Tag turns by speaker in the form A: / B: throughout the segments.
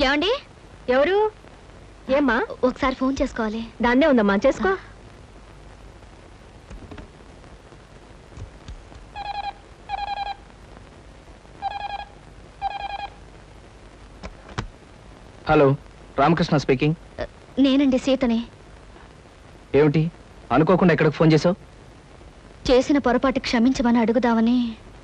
A: ఏమండి?
B: ఎవరు? ఏమ్మా?
A: ఒకసారి ఫోన్ చేసుకోవాలి.
B: దాన్నే ఉందమ్మా, చేసుకో.
C: Hello, Ramakrishna speaking.
A: నేనండి, సీతని.
C: ఏమిటి అనుకోకుండా ఎక్కడికి ఫోన్ చేసావు?
A: చేసిన పొరపాటు క్షమించమని అడుగుదామని.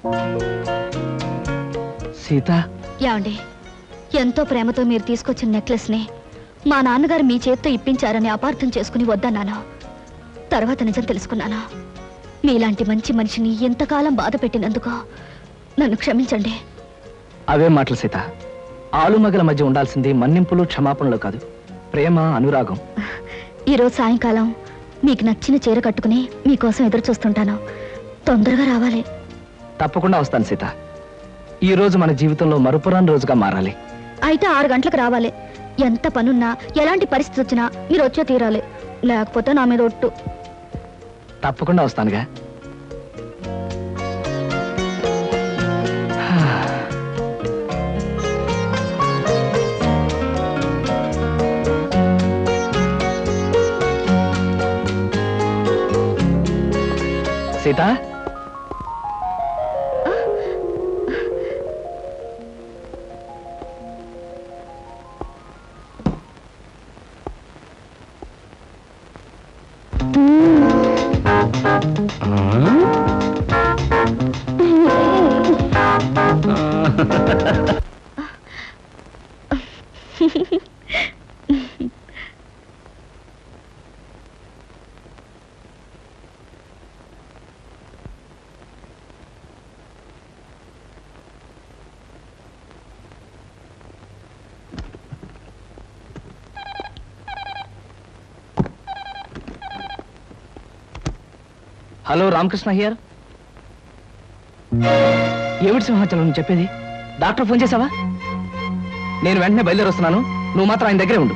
C: సీత,
A: ఏమండి, ఎంతో ప్రేమతో మీరు తీసుకొచ్చిన నెక్లెస్ ని మా నాన్నగారు మీ చేత్తో ఇప్పించారని అపార్థం చేసుకుని వద్దన్నాను. తర్వాత నిజం తెలుసుకున్నాను. మీలాంటి మంచి మనిషిని ఎంతకాలం బాధ పెట్టినందుకు నన్ను క్షమించండి.
C: అవే మాటలు సీత. ఆలుమగల మధ్య ఉండాల్సింది మన్నింపులు క్షమాపణలు కాదు, ప్రేమ, అనురాగం.
A: ఈరోజు సాయంకాలం మీకు నచ్చిన చీర కట్టుకుని మీకోసం ఎదురు చూస్తుంటాను. తొందరగా రావాలి.
C: తప్పకుండా వస్తాను సీత. ఈ రోజు మన జీవితంలో మరుపురాని రోజుగా మారాలి.
A: అయితే 6 గంటలకు రావాలి. ఎంత పనున్నా, ఎలాంటి పరిస్థితి వచ్చినా మీరు వచ్చే తీరాలి. లేకపోతే నా మీద ఒట్టు.
C: తప్పకుండా వస్తానుగా. Sita, hello, Ramakrishna here. ఏమిటి సింహాచలం నువ్వు చెప్పేది? డాక్టర్ ఫోన్ చేసావా? నేను వెంటనే బయలుదేరి వస్తున్నాను. నువ్వు మాత్రం ఆయన దగ్గరే ఉండు.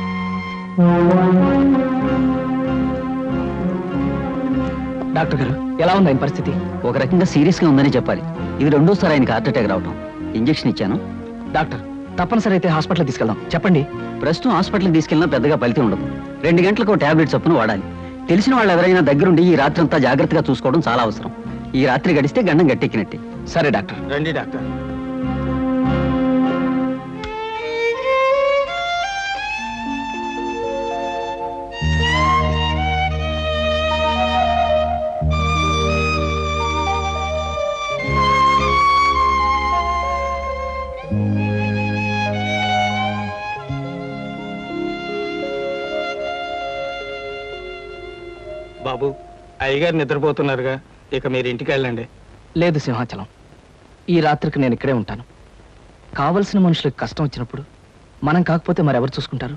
C: డాక్టర్ గారు, ఎలా ఉంది ఆయన పరిస్థితి?
D: ఒక రకంగా సీరియస్ గా ఉందని చెప్పాలి. ఇది రెండోసారి ఆయనకి హార్ట్ అటాక్ రావటం. ఇంజెక్షన్ ఇచ్చాను.
C: డాక్టర్, తప్పనిసరి అయితే హాస్పిటల్ తీసుకెళ్దాం. చెప్పండి.
D: ప్రస్తుతం హాస్పిటల్కి తీసుకెళ్ళినా పెద్దగా ఫలితం ఉండదు. 2 గంటలకు టాబ్లెట్ చొప్పున వాడాలి. తెలిసిన వాళ్ళు ఎవరైనా దగ్గరుండి ఈ రాత్రి అంతా జాగ్రత్తగా చూసుకోవడం చాలా అవసరం. ఈ రాత్రి గడిస్తే గండం గట్టెక్కినట్టే.
C: సరే డాక్టర్.
E: రండి డాక్టర్. బాబు, అయ్యగారు నిద్రపోతున్నారుగా, ఇక మీరు ఇంటికి వెళ్ళండి.
C: లేదు సింహాచలం, ఈ రాత్రికి నేను ఇక్కడే ఉంటాను. కావలసిన మనుషులకు కష్టం వచ్చినప్పుడు మనం కాకపోతే మరెవరు చూసుకుంటారు?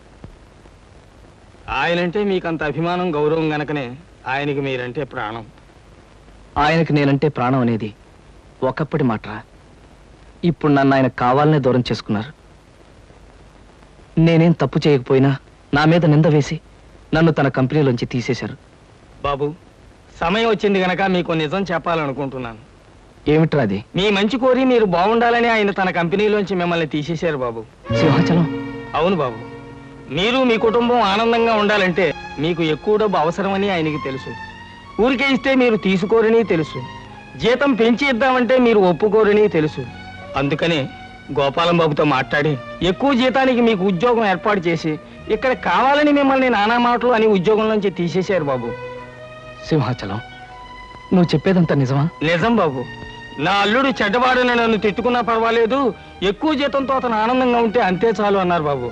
E: ఆయనంటే మీకంత అభిమానం, గౌరవం గనకనే ఆయనకి మీరంటే ప్రాణం.
C: ఆయనకి నేనంటే ప్రాణం అనేది ఒకప్పటి మాటరా. ఇప్పుడు నన్ను ఆయన కావాలనే దూరం చేసుకున్నారు. నేనేం తప్పు చేయకపోయినా నా మీద నింద వేసి నన్ను తన కంపెనీలోంచి తీసేశారు.
E: బాబు, సమయం వచ్చింది గనక మీకు నిజం చెప్పాలనుకుంటున్నాను.
C: ఏమిట్రా అది?
E: మీ మంచి కోరి మీరు బాగుండాలని ఆయన తన కంపెనీలోంచి మిమ్మల్ని తీసేశారు బాబు.
C: సింహాచలం.
E: అవును బాబు, మీరు మీ కుటుంబం ఆనందంగా ఉండాలంటే మీకు ఎక్కువ డబ్బు అవసరమని ఆయనకి తెలుసు. ఊరికే ఇస్తే మీరు తీసుకోరని తెలుసు. జీతం పెంచి ఇద్దామంటే మీరు ఒప్పుకోరని తెలుసు. అందుకనే గోపాలం బాబుతో మాట్లాడి ఎక్కువ జీతానికి మీకు ఉద్యోగం ఏర్పాటు చేసి ఇక్కడ కావాలని మిమ్మల్ని నానా మాటలు అని ఉద్యోగంలోంచి తీసేశారు బాబు.
C: సింహాచలం, నువ్వు చెప్పేదంతా నిజమా?
E: నిజం బాబు. నా అల్లుడు చెడ్డవాడని నన్ను తిట్టుకున్నా పర్వాలేదు, ఎక్కువ జీతంతో అతను ఆనందంగా ఉంటే అంతే చాలు అన్నారు బాబు.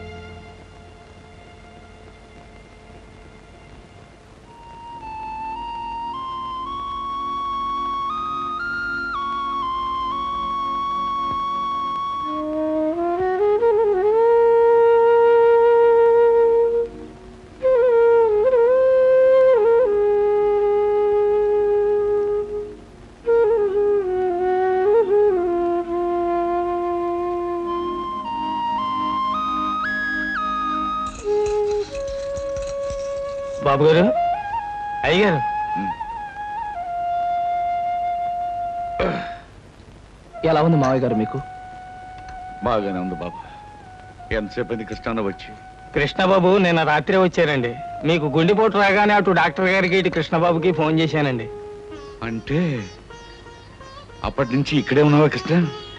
E: బాబు గారు, అయ్యగారు,
C: ఎలా ఉంది మావయ్య గారు మీకు?
F: బాగానే ఉంది బాబు. ఎంతసేపు కృష్ణ వచ్చి?
E: కృష్ణబాబు నిన్న రాత్రి వచ్చారండి. మీకు గుండెపోటు రాగానే అటు డాక్టర్ గారికి ఇటు కృష్ణబాబుకి ఫోన్ చేశానండి.
F: అంటే అప్పటి నుంచి ఇక్కడే ఉన్నావా కృష్ణ?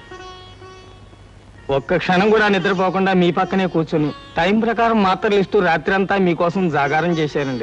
E: ఒక్క క్షణం కూడా నిద్రపోకుండా మీ పక్కనే కూర్చుని టైం ప్రకారం మాత్రలు ఇస్తూ రాత్రి అంతా మీకోసం జాగారం చేశారండి.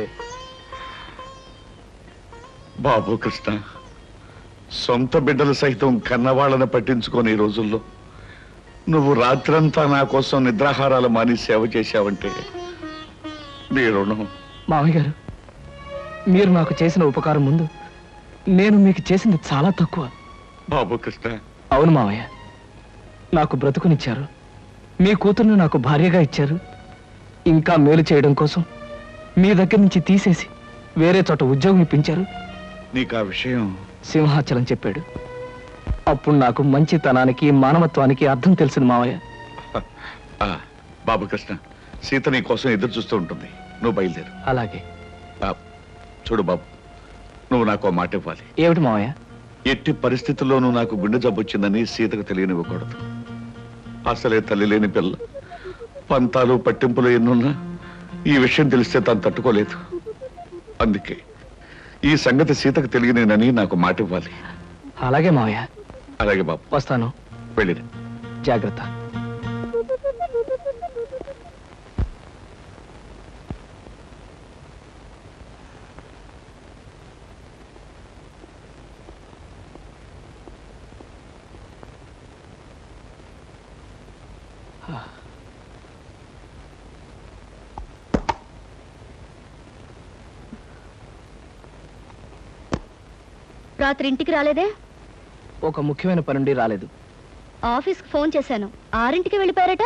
F: బాబు కృష్ణ, సొంత బిడ్డలు సైతం కన్నవాళ్ళని పట్టించుకొని ఈ రోజుల్లో నువ్వు రాత్రంతా నా కోసం నిద్రాహారాలు మాని సేవ చేశావంటే నీ రుణం.
C: మామయ్య గారు, మీరు నాకు చేసిన ఉపకారం ముందు నేను మీకు చేసింది చాలా తక్కువ.
F: బాబు కృష్ణ,
C: అవును మామయ్య, నాకు బ్రతుకునిచ్చారు, మీ కూతుర్ని నాకు భార్యగా ఇచ్చారు. ఇంకా మేలు చేయడం కోసం మీ దగ్గర నుంచి తీసేసి వేరే చోట ఉద్యోగం ఇప్పించారు.
F: నీకు ఆ విషయం
C: సింహాచలం చెప్పాడు. అప్పుడు నాకు మంచితనానికి మానవత్వానికి అర్థం తెలిసింది మావయ్య.
F: బాబు కృష్ణ, సీత నీ కోసం ఎదురు చూస్తూ ఉంటుంది. నువ్వు బయలుదేరు.
C: అలాగే.
F: చూడు బాబు, నువ్వు నాకు మాట ఇవ్వాలి.
C: ఏమిటి మావయ్య?
F: ఎట్టి పరిస్థితుల్లోనూ నాకు గుండె జబ్బు వచ్చిందని సీతకు తెలియనివ్వకూడదు. అసలే తల్లి లేని పిల్ల, పంతాలు పట్టింపులు ఎన్నున్నా ఈ విషయం తెలిస్తే తను తట్టుకోలేదు. అందుకే ఈ సంగతి సీతకు తెలియనేనని నాకు మాట ఇవ్వాలి.
C: అలాగే మావయ్య.
F: అలాగే బాబు,
C: వస్తాను.
F: వెళ్ళిరా.
C: జాగ్రత్త.
A: రాత్రి ఇంటికి రాలేదే?
C: ఒక ముఖ్యమైన పనుండి రాలేదు.
A: ఆఫీస్కి ఫోన్ చేశాను, 6ంటికి వెళ్ళిపోయారట.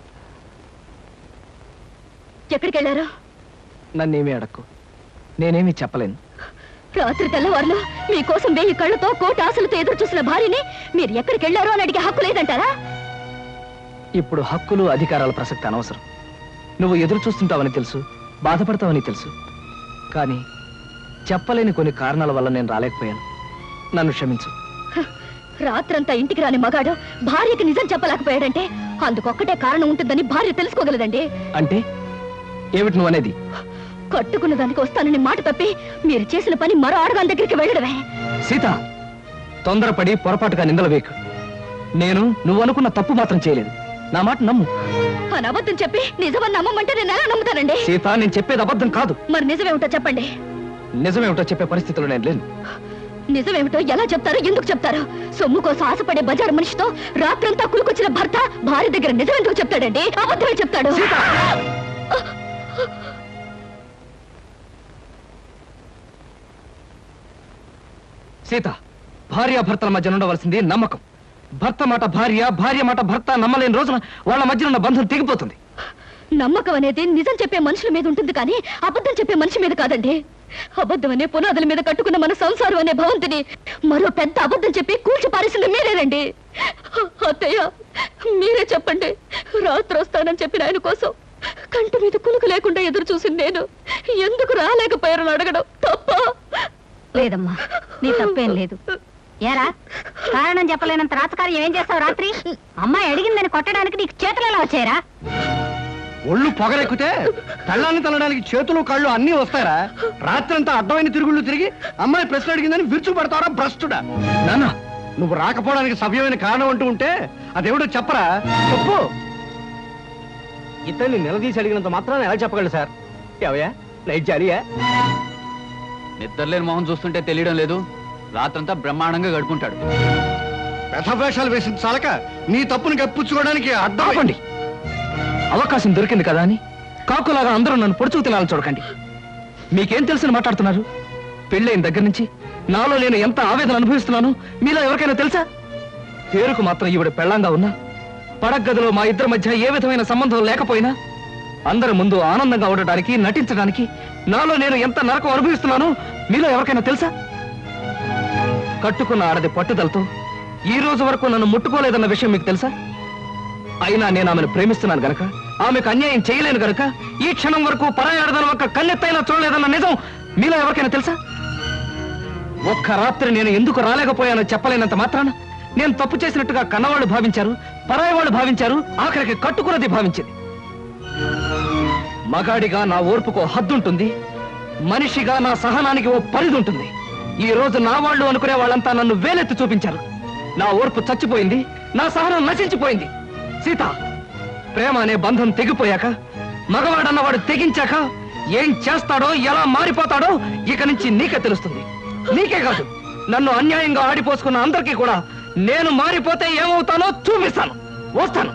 A: ఎక్కడికి వెళ్ళారు?
C: నన్నేమీ అడక్కు, నేనేమీ చెప్పలేను.
A: రాత్రి తెల్లవారులు మీకోసం 1000 కళ్ళతో కోటి ఆశలతో ఎదురు చూసిన భార్యని మీరు ఎక్కడికి వెళ్ళారో అని అడిగే హక్కు లేదంటారా?
C: ఇప్పుడు హక్కులు అధికారాల ప్రసక్తి అనవసరం. నువ్వు ఎదురు చూస్తుంటావని తెలుసు, బాధపడతావని తెలుసు. కానీ చెప్పలేని కొన్ని కారణాల వల్ల నేను రాలేకపోయాను. నన్ను క్షమించు.
A: రాత్రంతా ఇంటికి రాని మగాడు భార్యకి నిజం చెప్పలేకపోయాడంటే అందుకొక్కటే కారణం ఉంటుందని భార్య తెలుసుకోగలదండి.
C: అంటే ఏమిటి నువ్వు అనేది?
A: కట్టుకున్న దానికి వస్తానని మాట తప్పి మీరు చేసిన పని మరో ఆడదాని దగ్గరికి వెళ్ళడమే.
C: సీత, తొందరపడి పొరపాటుగా నిందలు వేయకు. నేను నువ్వు అనుకున్న తప్పు మాత్రం చేయలేదు. నా మాట నమ్ము.
A: అని అబద్ధం చెప్పి నిజమని నమ్మమంటే నేను ఎలా నమ్ముతానండి?
C: సీత, నేను చెప్పేది అబద్ధం కాదు.
A: మరి నిజమేమిటో చెప్పండి.
C: నిజమేమిటో చెప్పే పరిస్థితిలో నేను లేను.
A: నిజమేమిటో ఎలా చెప్తారు, ఎందుకు చెప్తారు? సొమ్ము కోసం ఆశపడే బజారు మనిషితో రాత్రంతా కులుకొచ్చిన భర్త భార్య దగ్గర నిజం ఎందుకు చెప్తాడండి? అబద్ధమే చెప్తాడు.
C: సీత, భార్యాభర్తల మధ్య ఉండవలసింది నమ్మకం. భర్త మాట భార్య, భార్య మాట భర్త నమ్మలేని రోజున వాళ్ళ మధ్య ఉన్న బంధం తెగిపోతుంది.
A: నమ్మకం అనేది నిజం చెప్పే మనుషుల మీద ఉంటుంది కానీ అబద్ధం చెప్పే మనిషి మీద కాదండి. అబద్ధం అనే పునాదుల మీద కట్టుకున్న మన సంసారం అనే భవంతిని మరో పెద్ద అబద్ధం చెప్పి కూల్చి పారేసింది మీరేనండి. అత్తయ్య, మీరే చెప్పండి. రాత్రి వస్తానని చెప్పిన ఆయన కోసం కంటి మీద కులుకు లేకుండా ఎదురు చూసింది నేను ఎందుకు రాలేకపోయారని అడగడం తప్ప?
B: లేదమ్మా, నీ తప్పేం లేదు. ఏరా, కారణం చెప్పలేనంత రాతకార్యం ఏం చేస్తావు? రాత్రి అమ్మాయి అడిగిందని కొట్టడానికి నీకు చేతులు ఎలా వచ్చాయరా?
G: ఒళ్ళు పొగరెక్కితే కళ్ళాన్ని తల్లడానికి చేతులు కళ్ళు అన్నీ వస్తారా? రాత్రంతా అడ్డమైన తిరుగుళ్ళు తిరిగి అమ్మాయి ప్రశ్న అడిగిందని విరుచు పడతారా భ్రష్టుడా?
C: నాన్న,
G: నువ్వు రాకపోవడానికి సవ్యమైన కారణం అంటూ ఉంటే అదేమిటో చెప్పరా? చెప్పు.
E: ఇతన్ని నిలదీసి అడిగినంత మాత్రాన్ని ఎలా చెప్పగలరు సార్? ఎవయా నైట్ జాలియా?
D: నిద్రలేని మొహం చూస్తుంటే తెలియడం లేదు. రాత్రంతా బ్రహ్మాండంగా గడుపుంటాడు.
G: వ్యధవేషాలు వేసిన చాలక నీ తప్పుని కప్పించుకోవడానికి అడ్డం.
C: ఆపండి. అవకాశం దొరికింది కదా అని కాకులాగా అందరూ నన్ను పొడుచుకు తినాలని చూడకండి. మీకేం తెలుసని మాట్లాడుతున్నారు? పెళ్ళైన దగ్గర నుంచి నాలో నేను ఎంత ఆవేదన అనుభవిస్తున్నాను మీలో ఎవరికైనా తెలుసా? పేరుకు మాత్రం ఈవిడ పెళ్ళంగా ఉన్నా, పడగదిలో మా ఇద్దరి మధ్య ఏ విధమైన సంబంధం లేకపోయినా అందరి ముందు ఆనందంగా ఉండడానికి, నటించడానికి నాలో నేను ఎంత నరకం అనుభవిస్తున్నానో మీలో ఎవరికైనా తెలుసా? కట్టుకున్న ఆడది పట్టుదలతో ఈ రోజు వరకు నన్ను ముట్టుకోలేదన్న విషయం మీకు తెలుసా? అయినా నేను ఆమెను ప్రేమిస్తున్నాను గనక, ఆమెకు అన్యాయం చేయలేను గనక ఈ క్షణం వరకు పరాయి ఆడదాని ఒక్క కన్నెత్తైనా చూడలేదన్న నిజం మీలో ఎవరికైనా తెలుసా? ఒక్క రాత్రి నేను ఎందుకు రాలేకపోయానో చెప్పలేనంత మాత్రాన నేను తప్పు చేసినట్టుగా కన్నవాళ్ళు భావించారు, పరాయి వాళ్ళు భావించారు, ఆఖరికి కట్టుకున్నది భావించింది. మగాడిగా నా ఓర్పుకో హద్దుంటుంది, మనిషిగా నా సహనానికి ఓ పరిధి ఉంటుంది. ఈ రోజు నా వాళ్ళు అనుకునే వాళ్ళంతా నన్ను వేలెత్తి చూపించారు. నా ఓర్పు చచ్చిపోయింది, నా సహనం నశించిపోయింది. సీత, ప్రేమ అనే బంధం తెగిపోయాక, మగవాడన్నవాడు తెగించాక ఏం చేస్తాడో, ఎలా మారిపోతాడో ఇక నుంచి నీకే తెలుస్తుంది. నీకే కాదు, నన్ను అన్యాయంగా ఆడిపోసుకున్న అందరికీ కూడా నేను మారిపోతే ఏమవుతానో చూపిస్తాను. వస్తాను.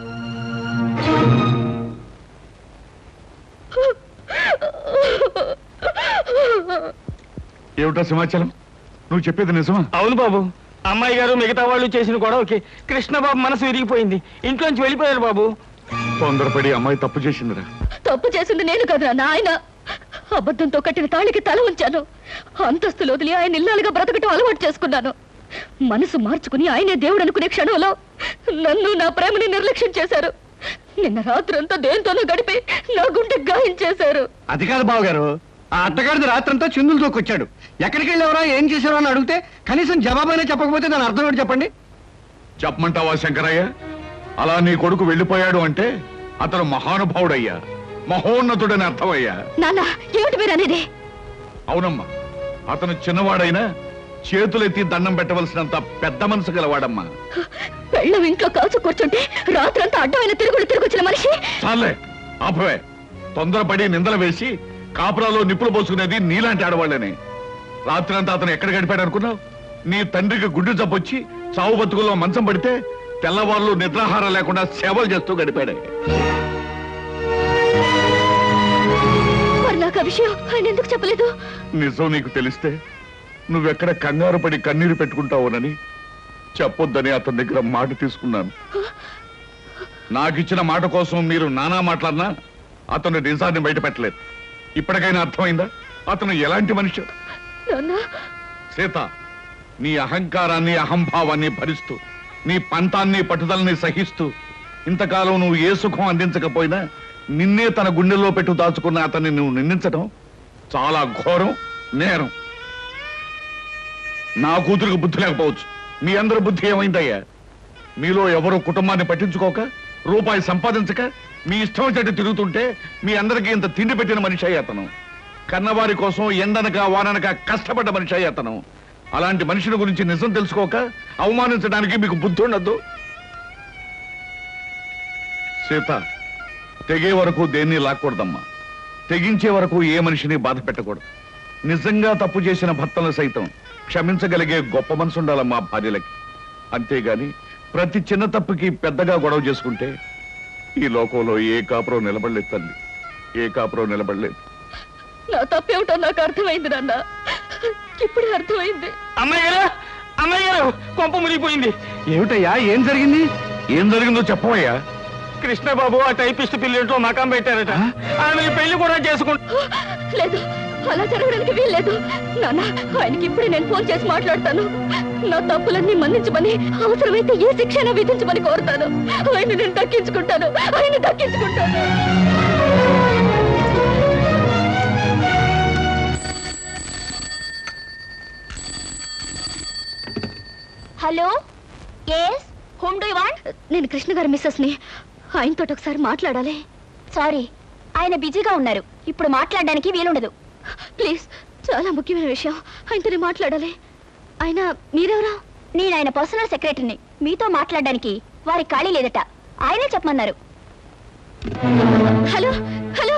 F: ఏమిటా సమాచారం? నువ్వు చెప్పేది నిజమా?
E: అవును బాబు, అమ్మాయి గారు మిగతా వాళ్ళు చేసిన గొడవకి కృష్ణబాబు మనసు విరిగిపోయింది. ఇంట్లోంచి వెళ్ళిపోయారు బాబు.
F: తొందరపడి అమ్మాయి తప్పు చేసిందిరా.
A: తప్పు చేసింది నేను కదా నాయన. అబద్ధంతో కట్టిన తాళికి తల ఉంచాను. అంతస్తులు వదిలి ఆయన ఇల్లాలుగా బ్రతకటం అలవాటు చేసుకున్నాను. మనసు మార్చుకుని ఆయనే దేవుడు అనుకునే క్షణంలో నన్ను, నా ప్రేమని నిర్లక్ష్యం చేశారు. నిన్న రాత్రంతా దేంతోనో గడిపి నా గుండె గాయం చేశారు.
G: అది కాదు బావగారు, ఆ అత్తగారిది రాత్రంతా చిందులు తోకొచ్చాడు. ఎక్కడికి వెళ్ళేవరా, ఏం చేసావరా అని అడిగితే కనీసం జవాబైనా చెప్పకపోతే దాని అర్థం ఏంటి చెప్పండి?
F: చెప్పమంటావా శంకరయ్య? అలా నీ కొడుకు వెళ్ళిపోయాడు అంటే అతను మహానుభావుడయ్యా, మహోన్నతుడని అర్థమయ్యా.
A: నాన్న, ఏమిటి మీరు అనేది?
F: అవునమ్మా, అతను చిన్నవాడైనా చేతులెత్తి దండం పెట్టవలసినంత పెద్ద మనసు గలవాడమ్మా.
A: పెళ్ళం ఇంట్లో కాచు కూర్చుంటే రాత్రంతా అడ్డమైన తిరుగుచ్చిన మనిషి.
F: చాలే ఆపవే. తొందరపడి నిందలు వేసి కాపురాలో నిప్పులు పోసుకునేది నీలాంటి ఆడవాళ్ళనే. రాత్రంతా అతను ఎక్కడ గడిపాడు అనుకున్నావు? నీ తండ్రికి గుడ్డు జబ్బొచ్చి చావు బతుకుల్లో మంచం పడితే తెల్లవాళ్ళు నిద్రాహారం లేకుండా సేవలు చేస్తూ గడిపాడే.
A: మరి నాకు ఆ విషయం ఆయన ఎందుకు చెప్పలేదు?
F: నిజం నీకు తెలిస్తే నువ్వెక్కడ కంగారు పడి కన్నీరు పెట్టుకుంటావునని చెప్పొద్దని అతని దగ్గర మాట తీసుకున్నాను. నాకిచ్చిన మాట కోసం మీరు నానా మాట్లాడినా అతను నిజాన్ని బయట పెట్టలేదు. ఇప్పటికైనా అర్థమైందా అతను ఎలాంటి మనిషి? సీత, నీ అహంకారాన్ని, అహంభావాన్ని భరిస్తూ, నీ పంతాన్ని, పట్టుదలని సహిస్తూ ఇంతకాలం నువ్వు ఏ సుఖం అందించకపోయినా నిన్నే తన గుండెల్లో పెట్టు దాచుకున్న అతన్ని నువ్వు నిందించడం చాలా ఘోరం, నేరం. నా కూతురికి బుద్ధి లేకపోవచ్చు, మీ అందరి బుద్ధి ఏమైందయ్యా? మీలో ఎవరు కుటుంబాన్ని పట్టించుకోక, రూపాయి సంపాదించక మీ ఇష్టం చెట్టు తిరుగుతుంటే మీ అందరికీ ఇంత తిండి పెట్టిన మనిషి అయ్యి అతను. కన్నవారి కోసం ఎండనక వాననక కష్టపడ్డ మనిషి అయ్యి అతను. అలాంటి మనిషిని గురించి నిజం తెలుసుకోక అవమానించడానికి మీకు బుద్ధి ఉండద్దు. సీత, తెగే వరకు దేన్ని లాక్కూడదమ్మా. తెగించే వరకు ఏ మనిషిని బాధ పెట్టకూడదు. నిజంగా తప్పు చేసిన భర్తలను సైతం క్షమించగలిగే గొప్ప మనసు ఉండాలమ్మా భార్యలకి. అంతేగాని ప్రతి చిన్న తప్పుకి పెద్దగా గొడవ చేసుకుంటే ఈ లోకంలో ఏ కాపురం నిలబడలేదు తల్లి, ఏ కాపురం నిలబడలేదు.
A: నా తప్పేమిటో నాకు అర్థమైంది నాన్న, ఇప్పుడే అర్థమైంది.
E: అమ్మాయి గారు కొంప మునిగిపోయింది.
C: ఏమిటయ్యా, ఏం జరిగింది?
F: ఏం జరిగిందో చెప్పవయ్యా.
E: కృష్ణబాబు ఆ టైపిస్ట్ పిల్లింట్లో మకాం పెట్టారట. ఆమె పెళ్లి కూడా చేసుకుంటా.
A: లేదు, అలా జరగడానికి వీల్లేదు నాన్న. ఆయనకి ఇప్పుడే నేను ఫోన్ చేసి మాట్లాడతాను. నా తప్పులన్నీ మన్నించమని, అవసరమైతే ఏ శిక్షణ విధించమని కోరుతాను. ఆయన నేను దక్కించుకుంటాను, ఆయన దక్కించుకుంటాను. Hello, yes, whom do you want? నేను కృష్ణ గారి మిస్సెస్ ని. ఆయనతో ఒకసారి మాట్లాడాలి. సారీ, ఆయన బిజీగా ఉన్నారు, ఇప్పుడు మాట్లాడడానికి వీలుండదు. ప్లీజ్, చాలా ముఖ్యమైన విషయం, ఆయనతోనే మాట్లాడాలి. ఆయన మీరెవరా? నేను ఆయన పర్సనల్ సెక్రటరీని. మీతో మాట్లాడడానికి వారి ఖాళీ లేదట, ఆయనే చెప్పమన్నారు. హలో హలో,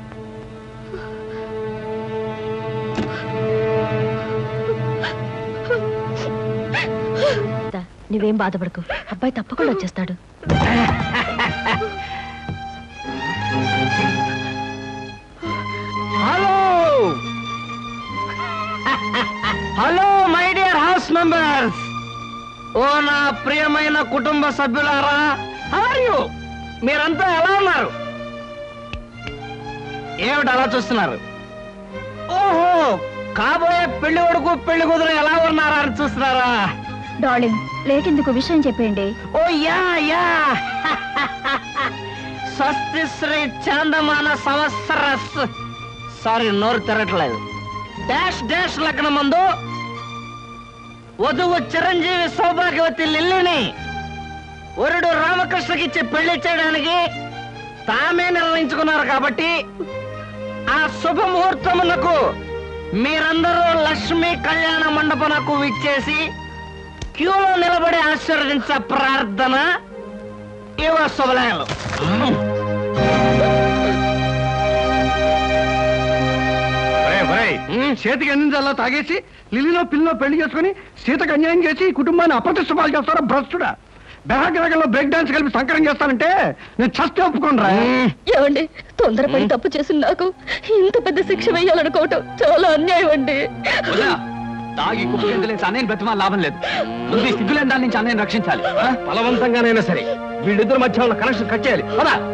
A: నువ్వేం బాధపడకు, అబ్బాయి తప్పకుండా వచ్చేస్తాడు.
C: Hello hello my dear house members, ఓ నా ప్రియమైన కుటుంబ సభ్యులారా, హౌ ఆర్ యు? మీరంతా ఎలా ఉన్నారు? ఏమిటి అలా చూస్తున్నారు? ఓహో, కాబోయే పెళ్లి కొడుకు పెళ్లి కూతురు ఎలా ఉన్నారా అని చూస్తున్నారా?
A: డార్లింగ్, లేకెందుకు విషయం చెప్పండి.
C: ఓ యా యా స్వస్తి శ్రీ చాందమాన సంవత్సరస్, సారీ నోరు తిరగట్లేదు, డాష్ డాష్ లగ్నం ముందు
E: వధువు చిరంజీవి సౌభాగ్యవతి లిల్లిని వరుడు రామకృష్ణకిచ్చి పెళ్లి చేయడానికి తామే నిర్ణయించుకున్నారు కాబట్టి ఆ శుభముహూర్తమునకు మీరందరూ లక్ష్మీ కళ్యాణ మండపమునకు విచ్చేసి క్యూలో నిలబడి ఆశీర్వదించ ప్రార్థన ఇవ శుభలేఖలు.
G: చేతికి అందించాలా తాగేసి లిల్లీలో పిల్లలో పెళ్లి చేసుకుని సీతకు అన్యాయం చేసి ఈ కుటుంబాన్ని అప్రతిష్ట పాలు చేస్తారా భ్రష్టుడా? బెహగ్రగంలో బ్రేక్ డాన్స్ కలిపి సంకరం చేస్తానంటే నేను చస్తే ఒప్పుకోనరా.
A: ఏమండి, తొందరపడి తప్పు చేసి నాకు ఇంత పెద్ద శిక్ష వేయాలనుకోవటం చాలా అన్యాయం అండి.
C: తాగి కుప్పలేసి అన్నయ్యని బ్రతిమాల లాభం లేదు. ముందు సిగ్గులేని దాని నుంచి అన్నయ్యని రక్షించాలి.
E: బలవంతంగానైనా సరే వీళ్ళిద్దరు మధ్య ఉన్న కనెక్షన్ కట్ చేయాలి.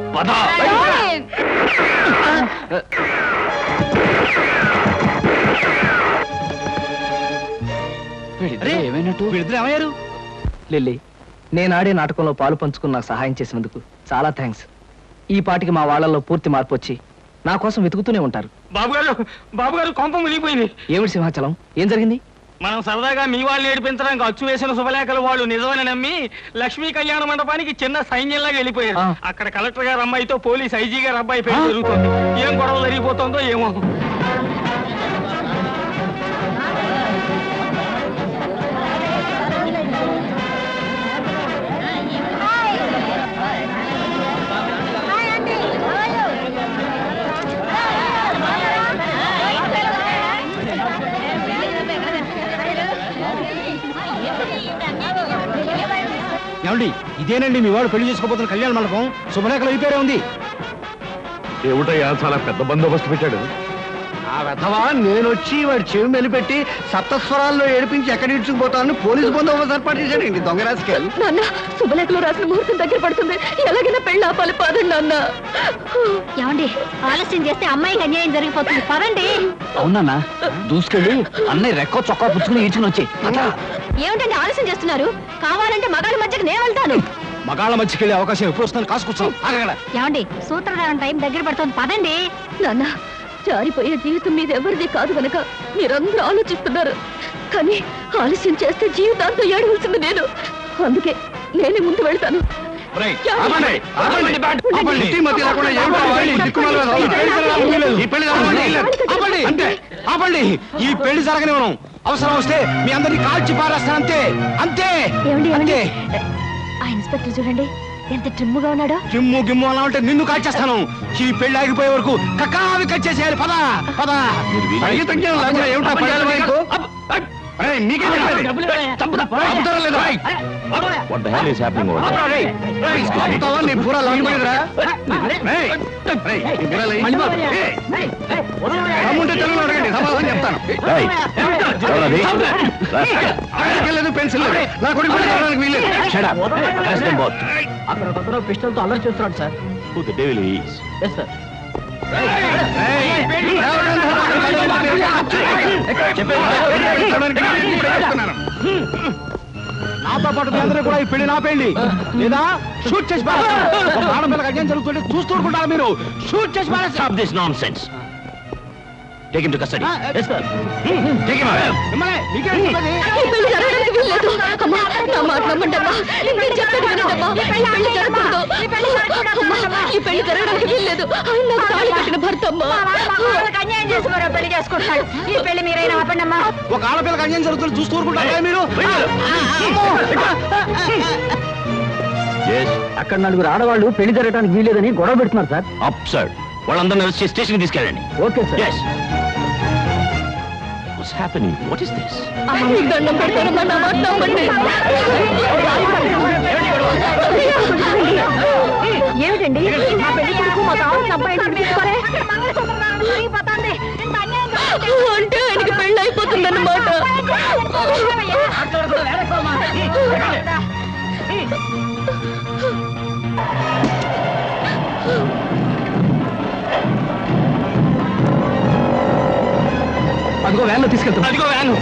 C: ఏమైనట్టు?
G: వీళ్ళిద్దరు ఏమయ్యారు?
C: లిల్లీ, నేను ఆడే నాటకంలో పాలు పంచుకుని నాకు సహాయం చేసినందుకు చాలా థ్యాంక్స్. ఈ పాటికి మా వాళ్ళల్లో పూర్తి మార్పు వచ్చి నా కోసం వెతుకుతూనే ఉంటారు.
E: బాబుగారు కొంప మునిగిపోయింది.
C: ఏమిటి సింహాచలం, ఏం జరిగింది?
E: మనం సరదాగా మీ వాళ్ళు ఏడిపించడానికి అచ్చు వేసిన శుభలేఖలు వాళ్ళు నిజమని నమ్మి లక్ష్మీ కళ్యాణ మండపానికి చిన్న సైన్యంలాగా వెళ్ళిపోయారు. అక్కడ కలెక్టర్ గారు అమ్మాయితో పోలీస్ ఐజీ గారు అబ్బాయి పెళ్లి జరుగుతుంది. ఏం గొడవ జరిగిపోతుందో ఏమో.
G: ఏమండి, ఇదేనండి మీ వాడు పెళ్లి చేసుకోబోతున్న కళ్యాణ మండపం. శుభలేఖలు అయిపోయారే ఉంది.
F: ఏమిటయ్యా చాలా పెద్ద బందోబస్తు పెట్టాడు.
G: ఆ వెధవా నేను వచ్చి వాడి చెవి మెలిపెట్టి సప్తస్వరాల్లో ఏడిపించి ఎక్కడ ఇడ్చుకుపోతానని పోలీసు బందోబస్తు ఏర్పాటు చేశాడండి దొంగ రాజకీయాలు.
A: నాన్న, శుభలేఖలో రాసిన ముహూర్తం దగ్గర పడుతుంది. ఎలాగైనా పెళ్లి ఆపాలి, పదండి నాన్న.
B: ఏమండి, ఆలస్యం చేస్తే అమ్మాయికి అన్యాయం జరిగిపోతుంది. పదండి.
C: అవునా? దూసుకెళ్ళి అన్నయ్య రెక్కో చొక్కా పుచ్చుకుని ఈడ్చుకుని వచ్చి.
A: ఏమిటండి ఆలస్యం చేస్తున్నారు? కావాలంటే మగాళ్ళ మధ్యకి నేను వెళ్తాను.
G: మగాళ్ళ మధ్యకెళ్ళే అవకాశం ఎప్పుడు వస్తుందని కాసుకొచ్చాం.
B: ఏమండి, సూత్రధారణ టైం దగ్గర పడుతుంది. పదండి.
A: నాన్న, జారిపోయే జీవితం మీద ఎవరిది కాదు కనుక మీరందరూ ఆలోచిస్తున్నారు. కానీ ఆలస్యం చేస్తే జీవితాంతం ఏడవలసింది నేను. అందుకే నేనే ముందు వెళ్తాను.
G: ఈ పెళ్లి జరగనివ్వను. అవసరం వస్తే మీ అందరినీ కాల్చి పారేస్తాను. అంతే అంతే అంతే.
A: ఆ ఇన్స్పెక్టర్ చూడండి ఎంత ట్రిమ్ముగా ఉన్నాడో.
G: జిమ్ము గిమ్ము అలా ఉంటే నిన్ను కాల్చేస్తాను. ఈ పెళ్లి ఆగిపోయే వరకు కక్కావి కట్ చేసేయాలి. పద పద. పెన్సిల్ నా కొడుకు వీలేదు.
C: అక్కడ పిస్టల్తో అల్లరి చేస్తున్నాడు సార్. Yes sir.
G: నాతో పాటు అందరూ కూడా ఈ పెళ్లి నా పెళ్లి లేదా షూట్ చేసి ఆడపిల్లకి అన్యాయం జరుగుతుంటే చూస్తూ ఉంటారు మీరు. షూట్ చేసి
H: Stop this nonsense. Take him to custody.
C: Yes sir.
H: Take him out.
A: ఈ పెళ్లి జరగడానికి వీల్లేదు. అమ్మా, నా మాట నమ్మండి అమ్మా. నేను చెప్పేది వినండమ్మా. ఈ పెళ్లి జరగకూడదు. అమ్మా, ఈ పెళ్లి జరగడానికి వీల్లేదు. ఆయన నాకు తాళి కట్టిన భర్త అమ్మా.
B: అన్యాయం చేసి మరో పెళ్లి చేసుకుంటాడు. ఈ పెళ్లి మీరైనా ఆపండి అమ్మా.
G: ఒక ఆడపిల్లకి అన్యాయం జరుగుతుంటే చూస్తూ ఊరుకుంటారా మీరు?
H: Yes.
D: అక్కడ నలుగురు ఆడవాళ్ళు పెళ్లి జరగడానికి వీలేదని గొడవ పెడుతున్నారు సార్.
H: Absurd. వాళ్ళందరినీ వచ్చి స్టేషన్ తీసుకెళ్ళండి.
D: Okay sir.
H: Yes. What's happening? What is this?
A: మీకు దండం పెడతానమ్మా, నా మాట నమ్మండి. ఏమిటండి మా పెళ్లి కొడుకు మా కావాల్సిన అబ్బాయి అంటే ఆయనకి పెళ్లి అయిపోతుందన్నమాట.
C: అదిగో వ్యాన్లో తీసుకెళ్తాం.
E: అదిగో వ్యాను.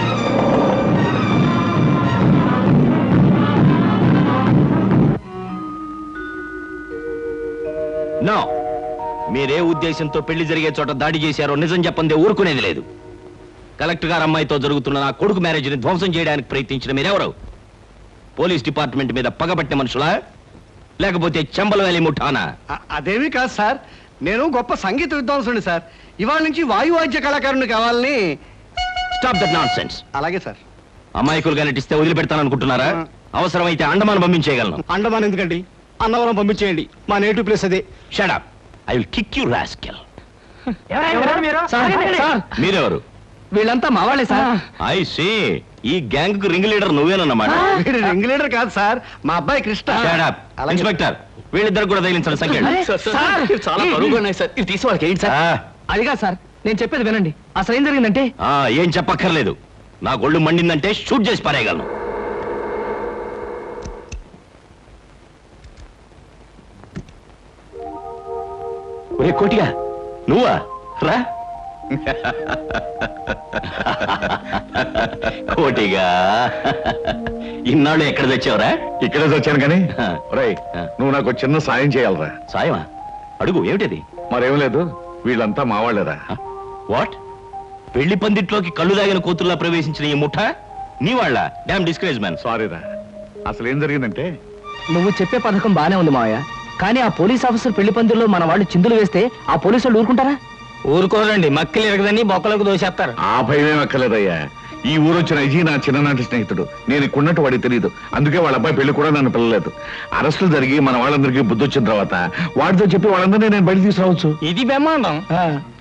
H: No. మీరే ఉద్దేశంతో పెళ్లి జరిగే చోట దాడి చేశారో నిజం చెప్పందే ఊరుకునేది లేదు. కలెక్టర్ గారు అమ్మాయితో జరుగుతున్న నా కొడుకు మ్యారేజ్ని ధ్వంసం చేయడానికి ప్రయత్నించిన మీరెవరు? పోలీస్ డిపార్ట్మెంట్ మీద పగబట్టిన మనుషులా, లేకపోతే చెంబల వేలి ముఠానా?
G: అదేమీ కాదు సార్, నేను గొప్ప సంగీత విద్వాంసుని సార్. ఇవాళ నుంచి వాయువాద్య కళాకారుని కావాలని.
H: Stop that nonsense.
G: అలాగే సార్.
H: అమాయకులుగా నటిస్తే వదిలిపెడతాననుకుంటున్నారా? అవసరమైతే అండమాన్ పంపించేయగలను.
G: అండమాన్ ఎందుకండి, అన్నవరం పంపించేయండి, మా నేటివ్ ప్లేస్ అదే.
H: Shut up, I will kick you rascal.
C: Sir,
H: మీరెవరు?
C: వీళ్ళంతా మా వాళ్ళే సార్.
H: ఐ సీ, ఈ గ్యాంగ్ కు రింగ్ లీడర్ నువ్వేనన్నమాట.
G: వీడు రింగ్ లీడర్ కాదు సార్, మా అబ్బాయి కృష్ణ.
H: Shut up.
G: అలాగే.
H: ఇన్స్పెక్టర్, వీళ్ళిద్దరు కూడా తగిలించండి సంఖ్య.
C: చాలా బరువుగా ఉన్నాయి సార్, ఇవి తీసి వాళ్ళకి ఏంటి సార్? అదిగా సార్, నేను చెప్పేది వినండి. అసలు ఏం జరిగిందంటే,
H: ఏం చెప్పక్కర్లేదు. నా గొళ్ళు మండిందంటే షూట్ చేసి పారేయగలను. ఒరే కోటిగా, నువ్వా? రా. కోటిగా, ఇన్నాళ్ళు ఎక్కడ తెచ్చావురా?
F: ఇక్కడే వచ్చాను కానీ రేయ్, నువ్వు నాకు చిన్న సాయం చేయాలరా.
H: సాయమా? అడుగు, ఏమిటది?
F: మరేం లేదు, వీళ్ళంతా మావాళ్ళేరా.
H: వాట్? పెళ్లి పందిట్లోకి కళ్ళు దాగిన కూతుర్లా ప్రవేశించిన ఈ ముఠ నీ వాళ్ళ? Damn discourage man.
F: సారీరా, అసలు ఏం జరిగిందంటే,
C: నువ్వు చెప్పే పథకం బానే ఉంది మావయ్య, కానీ ఆ పోలీస్ ఆఫీసర్ పెళ్లి పందిరిలో మన వాళ్ళు చిందులు వేస్తే ఆ పోలీసు వాళ్ళు ఊరుకుంటారా?
E: ఊరుకోరండి, మక్కలు ఎరగదని బొక్కలకు దోసేస్తారు.
F: ఆ భయమేం అక్కర్లేదయ్యా. ఈ ఊరు వచ్చిన అజీ నా చిన్ననాటి స్నేహితుడు. నేను ఇక్కడున్నట్టు వాడికి తెలియదు, అందుకే వాళ్ళ అబ్బాయి పెళ్లి కూడా నన్ను పిల్లలేదు. అరెస్టులు జరిగి మన వాళ్ళందరికీ బుద్ధి వచ్చిన తర్వాత వాడితో చెప్పి వాళ్ళందరినీ నేను బయట తీసుకురావచ్చు.
E: ఇది బ్రహ్మాండం.